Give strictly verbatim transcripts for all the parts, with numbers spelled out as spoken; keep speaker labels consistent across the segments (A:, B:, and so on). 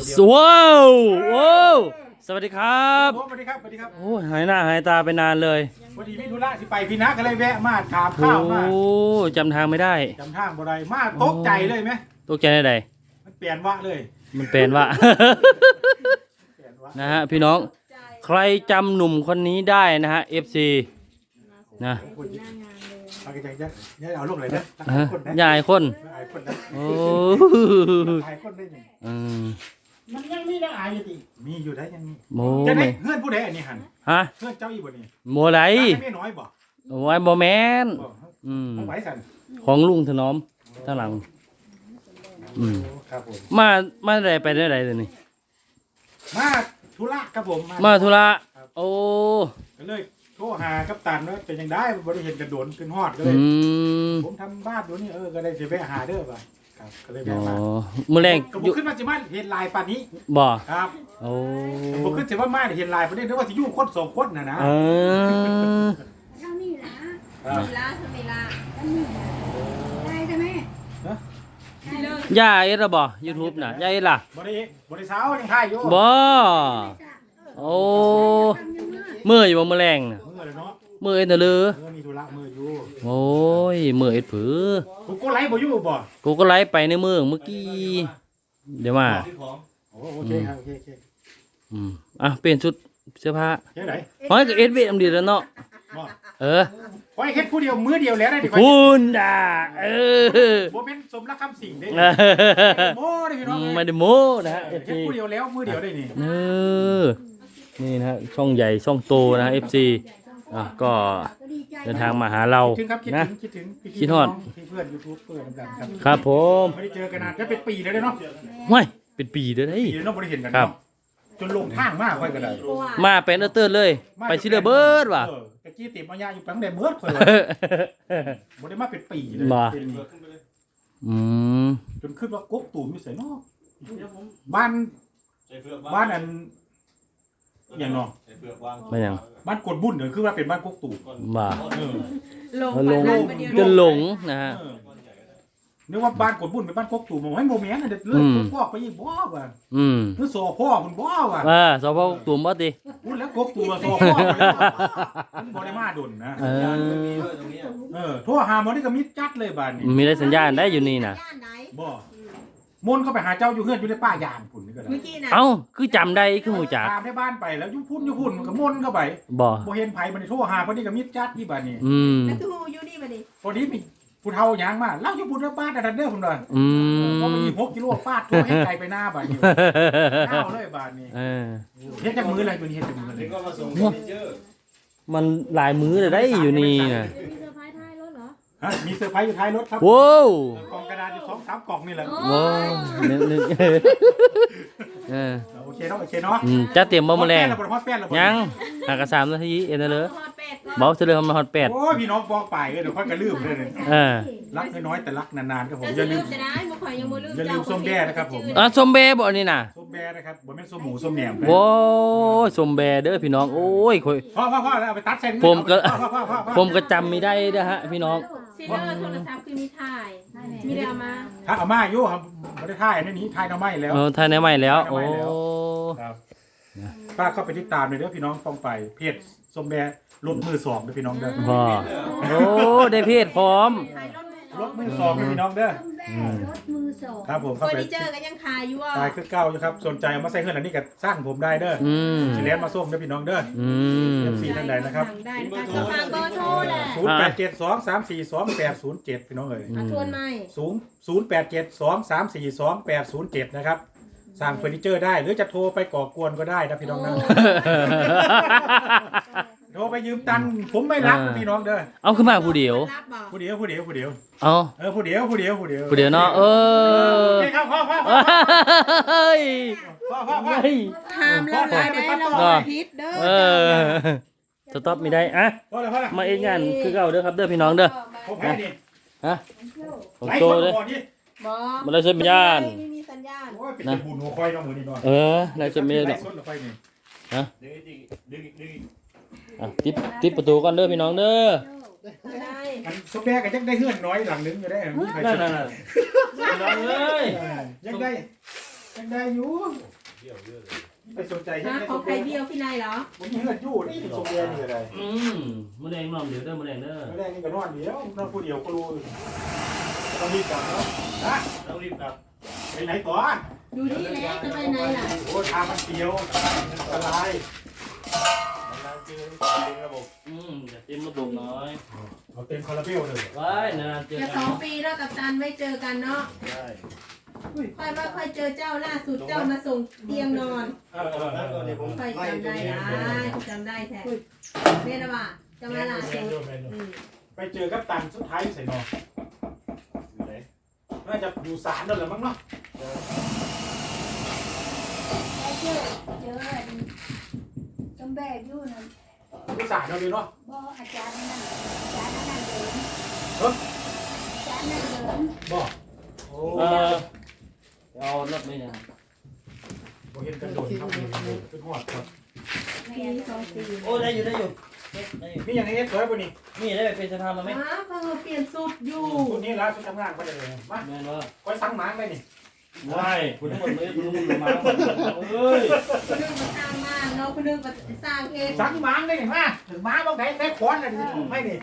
A: สว้าวว้าวสวัสดีครับ
B: สวัสดีครับสวัสดีครับ
A: โอ้ยหายหน้าหายตาไปนานเลย
B: พอดีมิถุระสิไปพี่นักก็เลยแวะมาถามข้าวมา
A: โอ้จำทางไม่ได้
B: จำทางบ่ได้มาตกใจเลยไหม
A: ตกใจได้ใด
B: มันเปลี่ยนวะเลย
A: มันเป็นว่า นะฮะพี่น้องใครจำหนุ่มคนนี้ได้นะฮะ เอฟ ซี นะ
B: เอาใจจะจะเอาลูกเลยนะ
A: ยายคนโอ้อืม
B: มันยังมีได้อายอยู่ดิมีอยู่ได้ยังมี
A: โม
B: จะได้
A: ไม่
B: เพื่อนผู้ใดอันนี้หัน
A: ฮะ
B: เพื่อนเจ้าอีบ่นี่
A: โมไร
B: ไม่น้อยบ่
A: โอ้ยโมแมนอืม
B: ไว้สั่น
A: ของลุงถนอมตั้งหลังอืม
B: ครับผม
A: มามาได้ไปได้ไรเลยนี่
B: มาธุระครับผม
A: มาธุระโอ้
B: ก็เลยโทรหากัปตันว่าเป็นยังได้บริเห็นกระโดนขึ้นฮอดก็เลยผมทำบ้านอยู่นี่เออก็เลยจะไปหาเด้อป่ะครับก็เลยไปมา
A: เมื่อแรง
B: ก็บุกขึ้นมาจิมาเห็นลายป่านนี้
A: บ่
B: ครับ
A: โอ้
B: บุกขึ้นจิมามาเห็นลายป่านนี้นึกว่าสิอยู่คนสองคนน่ะนะ
A: เออ
C: เท่านี้นะเวลาเวลาได้ใช่ไหม
A: ย่าเอ็ดบ่ยูทูบน่ะย่าเอ็ดล่ะ
B: บริบริสาวยังถ่ายอยู่
A: บ่โอ้เมื่ออยู่บ่เมื่อแรงน่ะ
B: เมื่อเลยเนาะ
A: เมื่อเอ็ดน่ะเลย
B: เมื่อมีธุระเมื่ออยู่
A: โอ้ยเมื่อเอ็ดผือ
B: กูก็ไลฟ์บ่อยู่บ่
A: กูก็ไลฟ์ไปในเมืองเมื่อกี้เดี๋ยวมา
B: โอเคครับโอเคโอเค
A: อืมอ่ะเปลี่ยนชุดเสื้อผ้า
B: เฮ็ดไหน
A: ฮ้อยก็เอ็ดเวทอำดีแล้วเนาะเออ
B: ไว้เฮ็ดผู้เดียวมื้อเดียวแล้วได้ดิ
A: คุณด่าเออ
B: บ่เป็นสมรักคำสิงเด้โม้เด้พี่น้อง
A: ไม่ได้โม้นะฮะ
B: เฮ็ดผู้เดียวแล้วมื้อเดียวได้นี่
A: เออนี่นะฮะช่องใหญ่ช่องโตนะ เอฟ ซี อ่ะก็เดินทางมาหาเรานะ
B: คิดถึง
A: คิดฮอด
B: เพื่อน YouTube เพื่อนกันครับ
A: ครับผม
B: ไม่ได้เจอกันนานจะเป็นปีแล้วเนาะ
A: ไม่เป็นปีเด้อเฮ้ย
B: ปีแล้วเนาะบ่ได้เห็นกันเนาะจนลงทางมากค่อยก็ได้
A: มาเป็นเออเติร์ดเลยไปซิเลเบิร์ดว่ะ
B: ตะกี้ติดมายาอยู่ตั้งแต่เบิร์ดค่อยว่าบ่ได้มาเป็นปีเลย
A: อืม
B: จนขึ้นว่ากกตูมอยู่ไสเนาะบ้านบ้านอันอย่างเนาะ
A: ไม่ยัง
B: บ้านกดบุญเนี่ยคือว่าเป็นบ้านกกตู
A: บ่า
C: หลง
A: หลงจนหลงนะฮะ
B: นึกว่าบ้านกดบุญเป็นบ้านกกตูมให้โมเมนต์น่ะเด็ดเลิกพ่อไปอีบ่ว่ะ
A: อืม
B: คือสอพ่อคุณบ่ว่ะ
A: อ่าสอพ่อตูมบ่ติ
B: พูดแล้วกกตูมสอพ่อมันบ่ได้มาดนนะ
A: เออ
B: เออโทรหาหมอนี่ก็มิดจัดเลยบ้านนี้
A: มีได้สัญญาณได้อยู่นี่น่ะ
B: บ่มนเข้าไปหาเจ้าอยู่เฮือนอยู่ในป่ายางพุ่นนี่ก็ได้
A: เอ้าคือจำได้คือฮู้จัก
B: ตามในบ้านไปแล้วอยู่พุ่นอยู่พุ่นมันก็มนเข้าไป
A: บ่
B: บ่เห็นไผมันโทรหาเพิ่นนี่ก็มิดจัดที่บ้านนี้
A: อืม
C: แล้วตู้อยู่นี่บัดนี้
B: พอดีมีผู้เฒ่าหยังมาเล่าอยู่พุ่นแล้วบ้านดันเด้อพุ่นว่า
A: อืม
B: พอมีหกกิโลฟาดโทรให้ไกลไปหน้าบ้านนี้ก้าวเลยบ้านนี้
A: เออ
B: เฮ็ดจักมื้ออะไรตัวนี้เฮ็ดจักมื้ออะไร
A: มันหลายมื้อเลยได้อยู่นี่น่ะ
B: ฮะมีเซอร์ไพรส์อยู่ท้ายรถครับ
A: ว้าว
B: กล่องกระดาษอยู่ สองสาม กล่องนี่แหละ
A: ว้าวนึกๆเออ
B: โอเคเนาะโอเคเนาะ
A: อืมจะเตรียมบ่มื้อแลงยังหากะสามนาทีเอ็นเด้อบ่สิเลยมาฮอดแปด
B: โอ้ยพี่น้องบอกไปเด้อค่อยก็ลืมเด้อ
A: เออ
B: รักน้อยๆแต่รักนานๆครับผมอย่าลืมอย่าลืมส้มแบ่นะครับผม
A: อ่ะส้มแบบ่นี่น่ะ
B: ส้มแบ่นะครับบ่แม่นส้มหมูส้มแหนม
A: โอ้ยส้มแบเด้อพี่น้องโอ้ยค่อย
B: พ่อๆๆแล้วเอาไปตัดใส่
A: ผมก็ผมก็จำไม่ได้เด้อฮะพี่น้อง
C: ซีเลอร์โทรศัพท์คือมีถ่ายมีได้เอามา
B: ถ้าเอามาอยู่ครับบ่ได้ถ่ายอันนี้ถ่ายเอาไม้แล้ว
A: เออถ่ายในไม้แล้วโอ้
B: ครับป้าเข้าไปติดตามเลยเด้อพี่น้องต้องไปเพจส้มแบรถมือสองเด้อพี่น้องเด้อ
A: บ่โอ้ได้เพจพร้อม
B: รถมือสองเด้อพี่น้องเด้อ
C: รถมือสอง
B: ครับผม
C: เฟอร์นิเจอร์ก็ยังขายอยู่อ่ะ
B: ขายคือเก่าอยู่ครับสนใจเอามาใส่เฮือนอันนี้ก็สร้างผมได้เด้อ
A: อืม
B: สิเลียนมาส่งเด้อพี่น้องเด้อ
A: อืม
B: เอฟ ซี ท่านใดนะครับ
C: ได้ค่ะฝากเบอร์โทรแหละ
B: ศูนย์ แปด เจ็ด สอง สาม สี่ สอง แปด ศูนย์ เจ็ดพี่น้องเอ้ย
C: อ่ะทวนใหม่
B: ศูนย์ ศูนย์ แปด เจ็ด สอง สาม สี่ สอง แปด ศูนย์ เจ็ดนะครับสั่งเฟอร์นิเจอร์ได้หรือจะโทรไปก่อกวนก็ได้นะพี่น้องนะโทรไปยืมตังค์ผมไม่รับพี่น้องเด้อ
A: เอาขึ้นมาผู้เดียว
B: ผู้เดียวผู้เดียวผู้เดียว
A: เอา
B: เออผู้เดียวผู้เดียวผู้เดียว
A: ผู้เดียวเนาะเออ
B: โอเคครับพ่อพ่อ
A: เฮ้ย
B: พ่อพ่อพ่อ
C: ทำแล้วรายได้เราพิษเด้อ
A: เออสต็อปไม่ได้อะมาเองงานคือเก่าเด้อครับเด้อพี่น้องเด้อฮะผมโตเลยมาเลยสัญญาณ
C: ไม่มีสัญญาณ
B: นะบุญหัวควายน้องมือนี่น้อง
A: เออเลยสัญญาณฮะอ่ะติดติดประตูก่อนเด้อพี่น้องเด้อ
B: อันสมแดงก็ยังได้เฮือนน้อยหลังนึงอยู่ได้
A: นั่นนั่นนั่นน้องเอ้ย
B: ยังได้ยังได้อยู่ไปสนใจ
C: ฮะของใครเดียวพี่นายเหรอ
B: ผมเห็นอยู่นี่สมเด็จนี่อะไร
A: อืมมะแดงนอนเดี๋ยวเด้อมะแดงเด้อ
B: ไม่ได้นี่ก็นอนเดียวนั่งผู้เดียวก็รู้ต้องรีบกลับแล้วนะต้องรีบกลับไปไหนก่อน
C: อยู่นี่แหละจะไปไหนล่ะ
B: โอ้ทางมันเสียวอันตราย
A: อืมจะเต็มระบบน้อย
B: เอาเต็มคาราเบลเลย
A: ไว้นานเจอ
C: จะ
A: กั
C: ส
A: น
C: องปีแล้วกับตันไม่เจอกันเนาะค่อยว่าค่อยเจอเจ้าล่าสุดเจ้ามาส่งเตียงนอน
B: เออเออเออ
C: ค่อยจำได้นะจำได้แท้เรียนว่าจำได้ล่าสุด
B: ไปเจอกับตันสุดท้ายใส่นอนน่าจะอยู่ศาลนั่นแหละมั้งเนาะ
D: เจอเจอจำแบกอยู่นะ
B: อยู่ศาลนั่นเลยเนาะ
D: บ่อาจารย์นั่นอาจารย์นั่นเดิน
B: เฮ้ย
D: อาจารย์นั่นเดิน
B: บอกโอ้
A: เออเอารถไม่ได้
B: โหเห็นกันโดนครับนี่ขึ้นหอดครับ
C: ปีสองปี
A: โอ้ได้อยู่ได้อยู่ได้อยู่
B: นี่ยังไงเอ็ดสวยป่ะนี่
A: นี่ได้ไปเป็นสภามาไหม
C: อ้าเพิ่งเปลี่ยนสูตรอยู่
B: คุณนี่ร้านคุณทำงานมาเลยมา
A: แม่นว่า
B: คอยสั่งหมางไปนี่
A: ว้ายคุณทั้งหมดเลยคุณทั้งหมดมาเอ้ย
C: คนนึงมาสร้างมากเนาะคนนึงมาสร้างเอง
B: สั่งหมางได้เห็นไหมถึงหมางบางไหนแค่ค้อนน่ะไม่นี่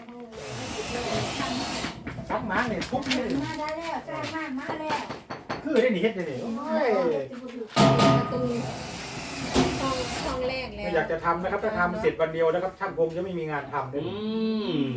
B: สั่งหมางนี่ทุบนี่
D: มาได้แล้วใกล้มากมาแล้ว
B: คือได้หนีเฮ็ดได้นี่โอ้ย
C: ประตูช่องช่องแรกแล้ว
B: ไม่อยากจะทำนะครับถ้าทำเสร็จวันเดียวนะครับช่างพงจะไม่มีงานทำเล
A: อื
B: ย
A: ม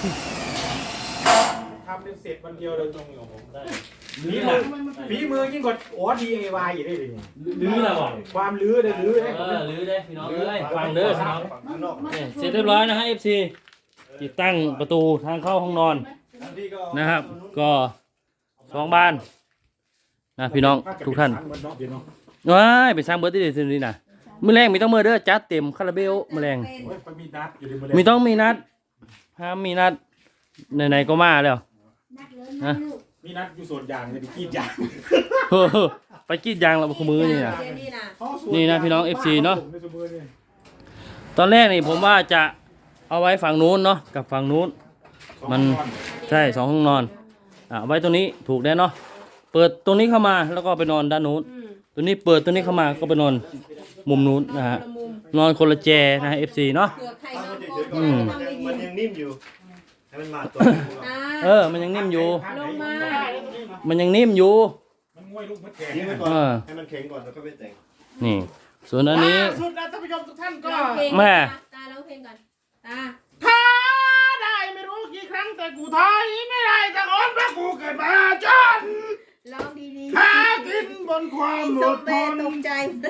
B: ทำเป็นเสร็จวันเดียวเลยตรงนี้ผม
A: ได้
B: ฝีมือฝีมือยิ่งกว่าโอ้ดีเอวายอีกได้เลย
A: ลื้อละบ่
B: ความลื้อได้ลื้อได้
A: เออลื้อได้พี่น้องเอ้ยฟังเด้อพี่น้อง
D: ข้างนอก
A: เนี่ยเสร็จเรียบร้อยนะฮะ เอฟ ซี ติดตั้งประตูทางเข้าห้องนอนนะครับ ก็สองบานนะพี่น้องทุกท่านว้ายไปสร้างเบิร์ดที่เดซินี่นะมื้อแรงมีต้องมือเด้อจัดเต็มคาราเบลมื้อแรง
B: โอ้ยมันมีนัดอยู่ในมือ
A: มีต้องมีนัดห้ามมีนัดไหนๆก็มาแล้ว
D: นักเลยนะลูก
B: มีนัดอยู่ส่วนยางจะไปกรีดยาง
A: เฮ้อไปกรีดยางแล้วมือนี่นะ
C: นี่นะ
A: นี่นะพี่น้อง เอฟ ซี เนาะ ตอนแรกนี่ผมว่าจะเอาไว้ฝั่งนู้นเนาะกับฝั่งนู้น มันใช่สองห้องนอนอ่ะเอาไว้ตรงนี้ถูกแน่เนาะเปิดตรงนี้เข้ามาแล้วก็ไปนอนด้านนู้น
C: อืม
A: ตัวนี้เปิดตัวนี้เข้ามาก็ไปนอนมุมนู้นนะฮะ
C: ละมุม
A: นอนคนละแจนะฮะ เอฟ ซี เนาะ
C: เผื่อใครนอนโก
A: อืม
C: ทำได้ยิ
E: มัน
C: น
E: ยังนิ่มอยู่ให้มันมาตัว
C: นะ
A: เออมันยังนิ่มอยู่
C: ลงมา
A: มันยังนิ่มอยู่
B: มันง่วยลูกมัดแก่
E: นิ่มไปก่อน
A: เออ
E: ให้มันแข็งก่อนแล้วก็ไปแต่ง
A: นี่ ส่วนอันนี้
B: สุดแล้วท่านผู้ชมทุกท่านก็
C: ร้องเพลง
A: แม่
C: ตาร้องเพลงก่อนตา
B: ท้าได้ไม่รู้กี่ครั้งแต่กูถอยไม่ได้จะอ่อนเพราะกูเกิดมาจน
C: ร้องดีๆ
B: หากินบนความอ
C: ส
B: ด
C: ม
B: ท
C: เด็จ
B: น
C: ตกใจ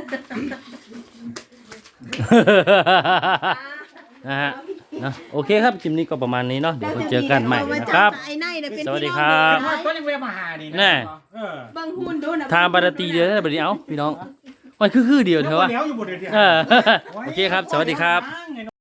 A: นะฮะนะโอเคครับคลิปนี้ก็ประมาณนี้เนาะเดี๋ยวเราเจอกันใหม่นะครับ
C: ไอ้ไนเนี่ยเป็น
A: สวัสดี
C: พี่น้อง
A: ครับ
C: เด็ก
B: ก็ยังเวมาหาดีนะ
A: แน่
B: เออ
C: เบิ่งหุ่นดูนะ
A: ทางบารตีเดียวได้แบบนี้เอ้าพี่น้องมันคือคือเดียวเถอะวะ
B: แล้วอยู่บนเดียว
A: เออโอเคครับ สวัสดีครับ